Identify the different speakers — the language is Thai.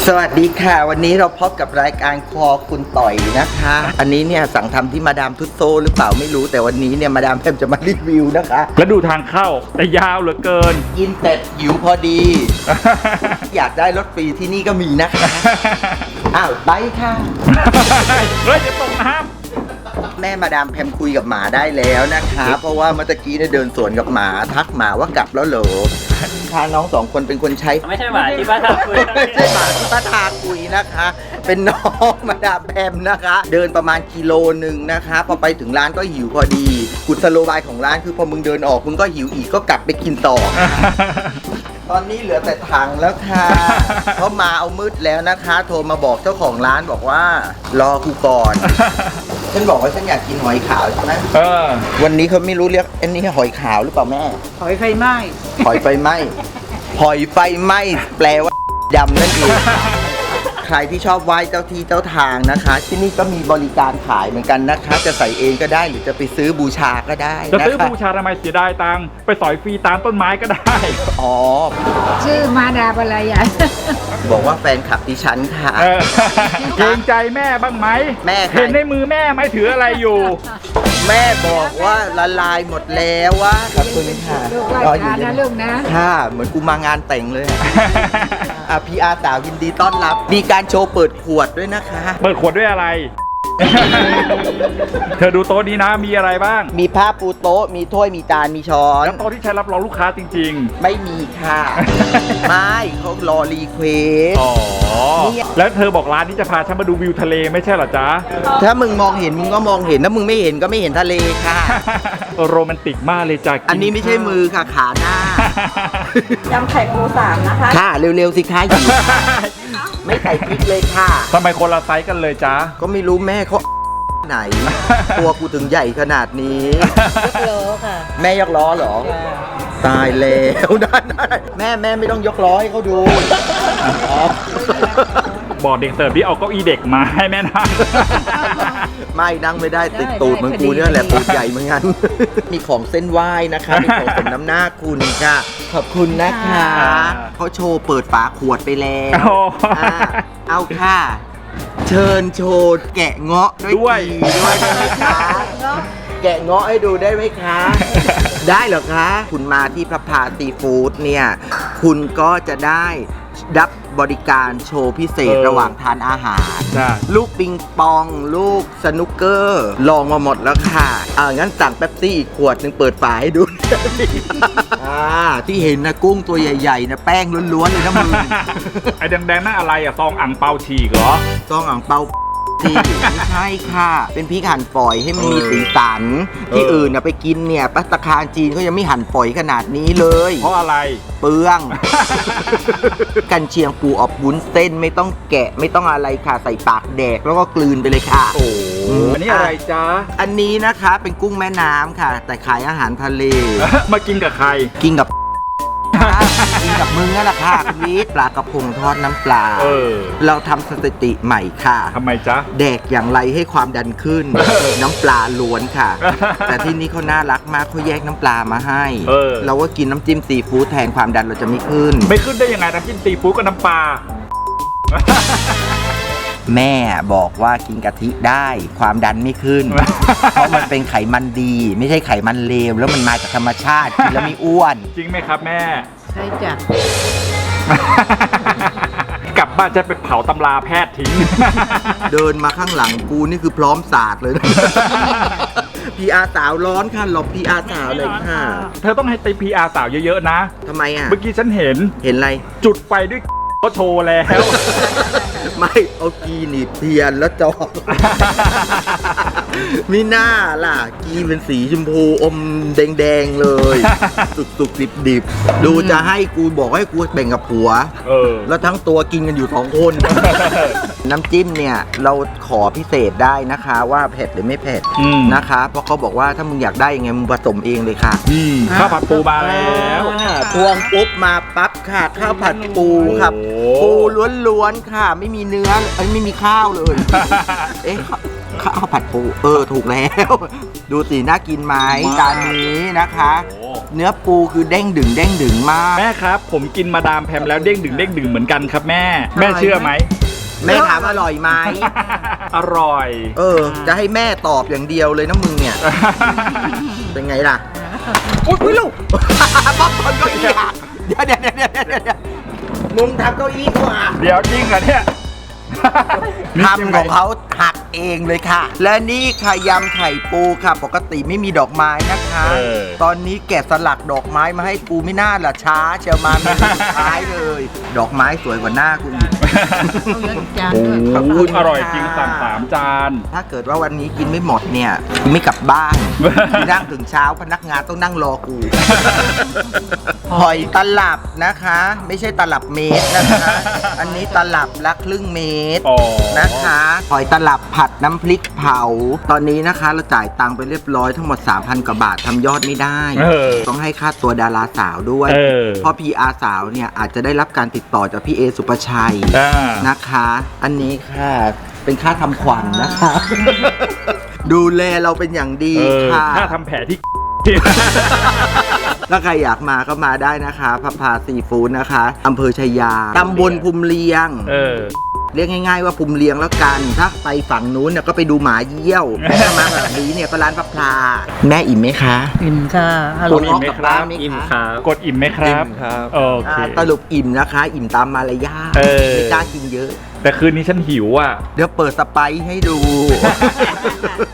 Speaker 1: สวัสดีค่ะวันนี้เราพบกับรายการคอคุณต่อยนะคะอันนี้เนี่ยสั่งทำที่มาดามทุตโซหรือเปล่าไม่รู้แต่วันนี้เนี่ยมาดามแพมจะมารีวิวนะคะ
Speaker 2: แล้วดูทางเข้าแต่ยาวเหลือเกิน
Speaker 1: กินเสร็จหิวพอดี อยากได้รถฟรีที่นี่ก็มีนะคะอ้าวไปค่ะ
Speaker 2: เฮ้ยจะตกน้ำ
Speaker 1: แม่มาดามแพมคุยกับหมาได้แล้วนะคะเพราะว่าเมื่อกี้เนี่ยเดินสวนกับหมาทักหมาว่ากลับแล้วเหรอค่ะน้องสองคนเป็นคนใช้
Speaker 3: ไม่ใช่หมาที่ป้าทาคุย
Speaker 1: ไม่ใช่หมาที่ป้าทาคุยนะคะ เป็นน้องมาดามแพมนะคะ เดินประมาณกิโลนึงนะคะพอไปถึงร้านก็หิวพอดีกุศโลบายของร้านคือพอมึงเดินออกมึงก็หิวอีกก็กลับไปกินต่อ ตอนนี้เหลือแต่ถังแล้วค่ะเขามาเอามืดแล้วนะคะ โทรมาบอกเจ้าของร้านบอกว่ารอกูก่อนฉันบอกว่าฉันอยากกินหอยขาวใช่ไหมวันนี้เขาไม่รู้เรียกอันนี้หอยขาวหรือเปล่าแม่
Speaker 4: หอยไฟไหม้
Speaker 1: หอยไฟไหม้หอยไฟไหม้แปลว่าดำนั่นเองใครที่ชอบไหว้เจ้าที่เจ้าทางนะคะ ที่นี่ก็มีบริการขายเหมือนกันนะคะ จะใส่เองก็ได้หรือจะไปซื้อบูชาก็ได้
Speaker 2: จะซื้อบูชาทำไมเสียดายตังค์ไปสอยฟรีตามต้นไม้ก็ได้
Speaker 1: อ๋อ
Speaker 4: ชื่อมาดาบอะไรอ่ะ
Speaker 1: บอกว่าแฟนคลับดิฉันค่ะ
Speaker 2: เกรงใจแม่บ้างไหม
Speaker 1: แม่
Speaker 2: เห็นในมือแม่ไหมถืออะไรอยู่
Speaker 1: แม่บอกว่าละลายหมดแล้ววะขอบคุณค่ะ
Speaker 4: ลูกไหว้พระนะลูกนะ
Speaker 1: ค่ะเหมือนกูมางานแต่งเลยพีอาร์สาวยินดีต้อนรับมีการโชว์เปิดขวดด้วยนะคะ
Speaker 2: เปิดขวดด้วยอะไร เธอดูโต๊ะนี้นะมีอะไรบ้าง
Speaker 1: มีผ้าปูโต๊ะมีถ้วยมีจานมีช้อน
Speaker 2: แล้วโต๊ะที่ใช้รับรองลูกค้าจริง
Speaker 1: ๆไม่มีค่ะ ไม่เขารอรีเควส
Speaker 2: อ๋อแล้วเธอบอกร้านนี้จะพาฉันมาดูวิวทะเลไม่ใช่เหรอจ๊ะ
Speaker 1: ถ้ามึงมองเห็นมึงก็มองเห็นถ้ามึงไม่เห็นก็ไม่เห็นทะเลค่ะ
Speaker 2: โรแมนติกมากเลยจ้ะ
Speaker 1: อันนี้ไม่ใช่มือค่ะขาหน้าย
Speaker 4: ำไข่ปู3นะคะ
Speaker 1: ค่ะเร็วๆสิคะอยู่ไม่ใส่พริกเลยค่ะ
Speaker 2: ทำไมคนละไซส์กันเลยจ๊ะ
Speaker 1: ก็ไม่รู้แม่เขาไหนตัวกูถึงใหญ่ขนาดนี้
Speaker 4: ยกล้อค่ะ
Speaker 1: แม่ยกล้อเหรอตายแล้วได้แม่ไม่ต้องยกล้อให้เขาดู
Speaker 2: บอกเด็กเสิร์ฟที่เอาเก้าอี้เด็กมาให้แม่นั่ง
Speaker 1: ไม่นั่งไม่ได้ติดตูดเหมือนกูเนี่ยแหละตูดใหญ่เหมือนกันมีของเส้นไหว้นะคะมีของสมน้ำหน้าคุณค่ะขอบคุณนะคะเขาโชว์เปิดฝาขวดไปแล้วเอาค่ะเชิญโชว์แกะเงาะด้วยได้ไหมคะแกะเงาะให้ดูได้ไหมคะได้เหรอคะคุณมาที่พระพาซีฟู้ดเนี่ยคุณก็จะได้รับบริการโชว์พิเศษระหว่างทานอาหารลูกปิงปองลูกสนุกเกอร์ลองมาหมดแล้วค่ะงั้นสั่งเป๊ปซี่อีกขวดนึงเปิดฝาให้ดูที่เห็นนะกุ้งตัวใหญ่ๆนะแป้งล้วนๆเลยนะมึง
Speaker 2: ไอ้แดงๆนั่นอะไรอะซองอ่างเปาฉีกเหรอ
Speaker 1: ซองอ่างเปาไม่ใช่ค่ะเป็นพริกหั่นฝอยให้มันมีสีสันที่อื่นไปกินเนี่ยภัตตาคารจีนเขายังไม่หั่นฝอยขนาดนี้เลย
Speaker 2: เพราะอะไร
Speaker 1: เปลืองกันเชียงปูอบวุ้นเส้นไม่ต้องแกะไม่ต้องอะไรค่ะใส่ปากแดกแล้วก็กลืนไปเลยค่ะ
Speaker 2: โอ้อันนี้อะไรจ๊ะ
Speaker 1: อันนี้นะคะเป็นกุ้งแม่น้ำค่ะแต่ขายอาหารทะเล
Speaker 2: มากินกับใคร
Speaker 1: กินกับมึงนั่นแหละค่ะคุณวิทย์ปลากระพงทอดน้ำปลาเราทำสถิติใหม่ค่ะ
Speaker 2: ทำไมจ๊ะ
Speaker 1: แดกอย่างไรให้ความดันขึ้นน้ำปลาล้วนค่ะแต่ที่นี่เขาน่ารักมากเขาแยกน้ำปลามาให้เราก็กินน้ำจิ้มซีฟู้ดแทนความดันเราจะไม่ขึ้น
Speaker 2: ได้ยังไงน้ำจิ้มซีฟู้ดกับน้ำปลา
Speaker 1: แม่บอกว่ากินกะทิได้ความดันไม่ขึ้นเพราะมันเป็นไขมันดีไม่ใช่ไขมันเลวแล้วมันมาจากธรรมชาติกินแล้วไม่อ้วน
Speaker 2: จริงไหมครับแม่
Speaker 4: ใช่จ้ะ
Speaker 2: กลับบ้านจะไปเผาตำราแพทย์ทิ้ง
Speaker 1: เดินมาข้างหลังกูนี่คือพร้อมศาสตร์เลยพีอาร์สาวร้อนค่ะหลบพีอาร์สาวเลยค่ะ
Speaker 2: เธอต้องให้ตีพีอาร์สาวเยอะๆนะ
Speaker 1: ทำไมอ่ะ
Speaker 2: เมื่อกี้ฉันเห็น
Speaker 1: อะไร
Speaker 2: จุดไฟด้วยเขาโชว์แล้ว
Speaker 1: ไม่เอากีหนีบเทียนแล้วจอกมิน่าล่ะกีเป็นสีชมพูอมแดงๆเลยสุกๆดิบๆดูจะให้กูบอกให้กูแบ่งกับผัวแล้วทั้งตัวกินกันอยู่2 คนน้ำจิ้มเนี่ยเราขอพิเศษได้นะคะว่าเผ็ดหรือไม่เผ็ดนะคะเพราะเขาบอกว่าถ้ามึงอยากได้ยังไงมึงผสมเองเลยค่ะ
Speaker 2: ข้าวผัดปูมาแล้ว
Speaker 1: พวงปุ๊บมาปั๊บค่ะข้าวผัดปูครับปูล้วนๆค่ะไม่มีเนื้อไม่มีข้าวเลยข้าวผัดปูถูกแล้ว ดูสิน่ากินไหมจานนี้นะคะ
Speaker 2: โอ้
Speaker 1: เนื้อปูคือเด้งดึงมาก
Speaker 2: แม่ครับผมกินมาดามแพมแล้วเด้งดึงเหมือนกันครับแม่แม่เชื่อไหม
Speaker 1: แม่ถามอร่อยไหม
Speaker 2: อร่อย
Speaker 1: จะให้แม่ตอบอย่างเดียวเลยนะมึงเนี่ย เป็นไงล่ะ อุ้ยลูก ป๊อปคอร์นเก้าอี้หักเดี๋ยวมึงทำเก้าอี้เขาหัก
Speaker 2: เดี๋ยวจริงเหรอเนี่ย
Speaker 1: ทำของเขาหักเองเลยค่ะ และนี่ค่ะยำไข่ปูค่ะ ปกติไม่มีดอกไม้นะคะ ตอนนี้แกะสลักดอกไม้มาให้กูไม่น่าละช้าเชียวมาเมนูสุดท้ายเลย ดอกไม้สวยกว่าหน้ากูอีก
Speaker 4: เอาเยอะอีกจาน
Speaker 2: โอ้
Speaker 4: ด้วย
Speaker 1: ขอบคุณ
Speaker 2: อร่อยจริง
Speaker 1: ค่ะ
Speaker 2: สั่ง3 จาน
Speaker 1: ถ้าเกิดว่าวันนี้กินไม่หมดเนี่ยกูไม่กลับบ้านกูนั่งถึงเช้าพนักงานต้องนั่งรอกู หอยตลับนะคะ ไม่ใช่ตลับเมตรนะคะ อันนี้ตลับละครึ่งเมตร
Speaker 2: อ๋อ
Speaker 1: นะคะหอยตลับผัดน้ำพริกเผา ตอนนี้นะคะเราจ่ายตังค์ไปเรียบร้อยทั้งหมด 3,000 กว่าบาททำยอดไม่ได้ ต้องให้ค่าตัวดาราสาวด้วย เพราะ PR สาวเนี่ยอาจจะได้รับการติดต่อจากพี่เอสุปชัยนะคะ อันนี้ค่ะเป็นค่าทำขวัญนะคะ ดูแลเราเป็นอย่างดีค่ะ
Speaker 2: ถ้าทำแผลที่
Speaker 1: ถ้าใครอยากมาก็มาได้นะคะพับพาซีฟู้ดนะคะอำเภอชัยยาตำบลภูมิเลียง เรียกง่ายๆว่าภูมิเลียงแล้วกัน ถ้าไปฝั่งนู้นเนี่ยก็ไปดูหมาเยี่ยวถ้ามาแบบนี้เนี่ยก็ร้านพับพลาแม่อิ่มไหมคะ
Speaker 4: กินค่ะอก ร่อ
Speaker 2: ด
Speaker 4: ย
Speaker 2: อิ่มไหมครับ
Speaker 1: อิ่มครับ
Speaker 2: กดอิ่มไหมครับ
Speaker 3: อิ่มครับ
Speaker 2: โอเค
Speaker 1: สรุปอิ่มนะคะ อิ่มตามมารยาทไม่กล้ากินเยอะ
Speaker 2: แต่คืนนี้ฉันหิวอ่ะ
Speaker 1: เดี๋ยวเปิดสไปซ์ให้ดู